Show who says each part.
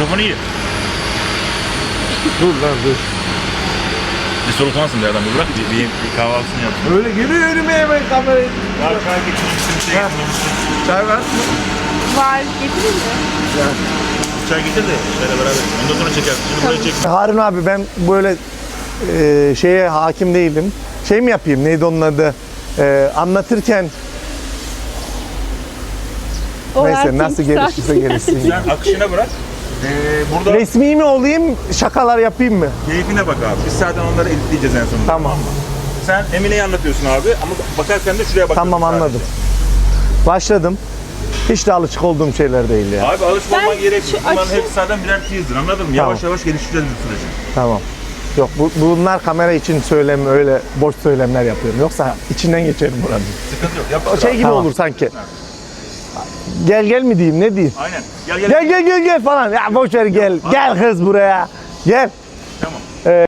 Speaker 1: Mikrofonu iyi.
Speaker 2: Dur lan dur.
Speaker 1: Bir soluklanmasın bir adam. Bırak bir kahvaltısını yap.
Speaker 2: Öyle geliyor önüme hemen kamerayı.
Speaker 1: Var çay getirmişsin, bir şey
Speaker 2: Ha.
Speaker 1: getirmişsin.
Speaker 2: Çay var.
Speaker 3: Var, getireyim mi?
Speaker 1: Çay getir de şöyle beraber. Ondan sonra çekersin. Şimdi burayı çek.
Speaker 2: Harun abi ben böyle şeye hakim değilim. Şey mi yapayım? Neydi onun adı? Anlatırken
Speaker 3: O
Speaker 2: neyse
Speaker 3: erkek
Speaker 2: nasıl gelişirse gelişsin.
Speaker 1: Sen akışına bırak. Burada
Speaker 2: Resmi mi olayım? Şakalar yapayım mı?
Speaker 1: keyfine bak abi. Biz zaten onları editleyeceğiz en sonunda.
Speaker 2: Tamam.
Speaker 1: Sen Emine'yi anlatıyorsun abi ama bakarken de şuraya bakıyorsun.
Speaker 2: Tamam anladım. Başladım. Hiç de alışık olduğum şeyler değil ya.
Speaker 1: Abi alışmaman
Speaker 3: Ben
Speaker 1: gerekmiyor.
Speaker 3: şu
Speaker 1: Bunların
Speaker 3: akışı-
Speaker 1: hepsi zaten birer teaser, anladın mı? Yavaş yavaş geliştireceğiz bu süreci.
Speaker 2: Tamam. Yok bunlar kamera için söylem öyle boş söylemler yapıyorum. Yoksa içinden geçerim buranın.
Speaker 1: Sıkıntı yok. Yap
Speaker 2: O şey gibi
Speaker 1: Tamam.
Speaker 2: olur sanki. Gel mi diyeyim ne diyeyim?
Speaker 1: Aynen. Gel.
Speaker 2: Gel falan. Ya boş ver gel. Gel kız buraya. Gel.
Speaker 1: Tamam.